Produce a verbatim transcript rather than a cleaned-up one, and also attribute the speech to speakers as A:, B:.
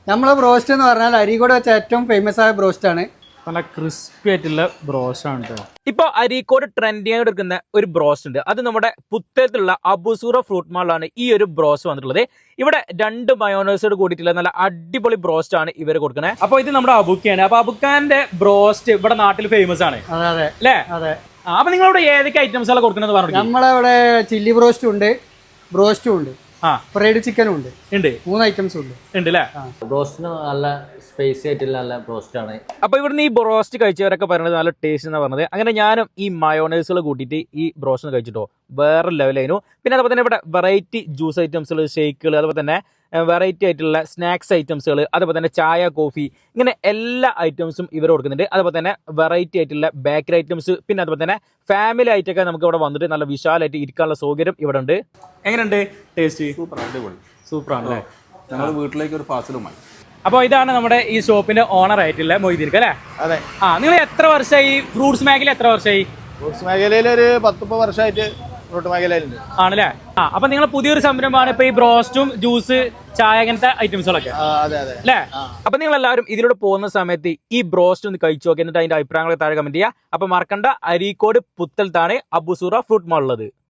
A: നമ്മളെ ബ്രോസ്റ്റ് എന്ന് പറഞ്ഞാൽ അരീക്കോട് വെച്ച ഏറ്റവും ഫേമസ് ആയ ബ്രോസ്റ്റ് ആണ്.
B: നല്ല ക്രിസ്പി ആയിട്ടുള്ള ബ്രോസ്റ്റ് ആണ് കേട്ടോ. ഇപ്പൊ അരീക്കോട് ട്രെൻഡിങ് ആയിട്ട് എടുക്കുന്ന ഒരു ബ്രോസ്റ്റ് ഉണ്ട്. അത് നമ്മുടെ പുത്തേത്തുള്ള അബുസൂറ ഫ്രൂട്ട് മാളിലാണ് ഈ ഒരു ബ്രോസ്റ്റ് വന്നിട്ടുള്ളത്. ഇവിടെ രണ്ട് മയോണൈസോട് കൂടിയിട്ടുള്ള നല്ല അടിപൊളി ബ്രോസ്റ്റ് ആണ് ഇവർ കൊടുക്കുന്നത്. അപ്പൊ ഇത് നമ്മുടെ അബുക്കയാണ്. അപ്പൊ അബുക്കാന്റെ ബ്രോസ്റ്റ് ഇവിടെ നാട്ടിൽ ഫേമസ് ആണ്
A: അതെ
B: അല്ലേ?
A: അതെ.
B: അപ്പൊ നിങ്ങളിവിടെ ഏതൊക്കെ ഐറ്റംസ് ആണ് കൊടുക്കുന്നത് പറഞ്ഞു?
A: നമ്മളിവിടെ ചില്ലി ബ്രോസ്റ്റും ഉണ്ട്, ബ്രോസ്റ്റും ഉണ്ട്,
B: ആ
A: ഫ്രൈഡ് ചിക്കനും ഉണ്ട്.
B: ഉണ്ട്,
A: മൂന്ന് ഐറ്റംസ് ഉണ്ട്.
B: ഉണ്ട് അല്ലേ?
C: ബ്രോസ്റ്റിന് നല്ല സ്പൈസി ആയിട്ടുള്ള നല്ല ബ്രോസ്റ്റ് ആണ്.
B: അപ്പൊ ഇവിടുന്ന് ഈ ബ്രോസ്റ്റ് കഴിച്ചവരൊക്കെ പറയുന്നത് നല്ല ടേസ്റ്റ് എന്നാ പറഞ്ഞത്. അങ്ങനെ ഞാനും ഈ മയോണൈസുകൾ കൂട്ടിയിട്ട് ഈ ബ്രോസ്റ്റ് കഴിച്ചിട്ടോ വേറെ ലെവലായിരുന്നു. പിന്നെ അതുപോലെ തന്നെ ഇവിടെ വെറൈറ്റി ജ്യൂസ് ഐറ്റംസുകൾ, ഷേക്കുകൾ, അതുപോലെ തന്നെ വെറൈറ്റി ആയിട്ടുള്ള സ്നാക്സ് ഐറ്റംസുകൾ, അതുപോലെ തന്നെ ചായ, കോഫി, ഇങ്ങനെ എല്ലാ ഐറ്റംസും ഇവർ കൊടുക്കുന്നുണ്ട്. അതുപോലെ തന്നെ വെറൈറ്റി ആയിട്ടുള്ള ബേക്കറി ഐറ്റംസ്, പിന്നെ അതുപോലെ തന്നെ ഫാമിലി ആയിട്ടൊക്കെ നമുക്ക് ഇവിടെ വന്നിട്ട് നല്ല വിശാലമായിട്ട് ഇരിക്കാനുള്ള സൗകര്യം ഇവിടെ ഉണ്ട്. എങ്ങനെയുണ്ട് ടേസ്റ്റ്?
D: സൂപ്പർ, അടിപൊളി,
B: സൂപ്പറാണ് അല്ലേ?
D: ഞങ്ങൾ വീട്ടിലേക്ക് ഒരു പാർസലുമായി.
B: അപ്പോൾ ഇതാണ് നമ്മുടെ ഈ ഷോപ്പിന്റെ ഓണർ ആയിട്ടുള്ള മൊയ്തീർക്ക് അല്ലേ?
E: അതെ.
B: ആ, നിങ്ങൾ എത്ര വർഷമായി ഫ്രൂട്ട്സ് മേഖല? എത്ര വർഷമായി
E: ഫ്രൂട്ട്സ് മേഖലയിൽ? ഒരു പത്ത് മുപ്പത് വർഷമായിട്ട് ഫ്രൂട്ട് മേഖലയിലുണ്ട്.
B: ആണല്ലേ? ആ, അപ്പൊ നിങ്ങൾ പുതിയൊരു സംരംഭമാണ് ഇപ്പൊ ഈ ബ്രോസ്റ്റും ജ്യൂസ്, ചായ, അങ്ങനത്തെ ഐറ്റംസുകളൊക്കെ
E: അതെ അതെ
B: അല്ലേ? അപ്പൊ നിങ്ങൾ എല്ലാവരും ഇതിലൂടെ പോകുന്ന സമയത്ത് ഈ ബ്രോസ്റ്റ് ഒന്ന് കഴിച്ചു നോക്കി, എന്നിട്ട് അതിന്റെ അഭിപ്രായങ്ങളെ താഴെ കമന്റ് ചെയ്യുക. അപ്പൊ മറക്കണ്ട, അരീക്കോട് പുത്തലത്താണ് അബുസൂറ ഫ്രൂട്ട് മാൾ ഉള്ളത്.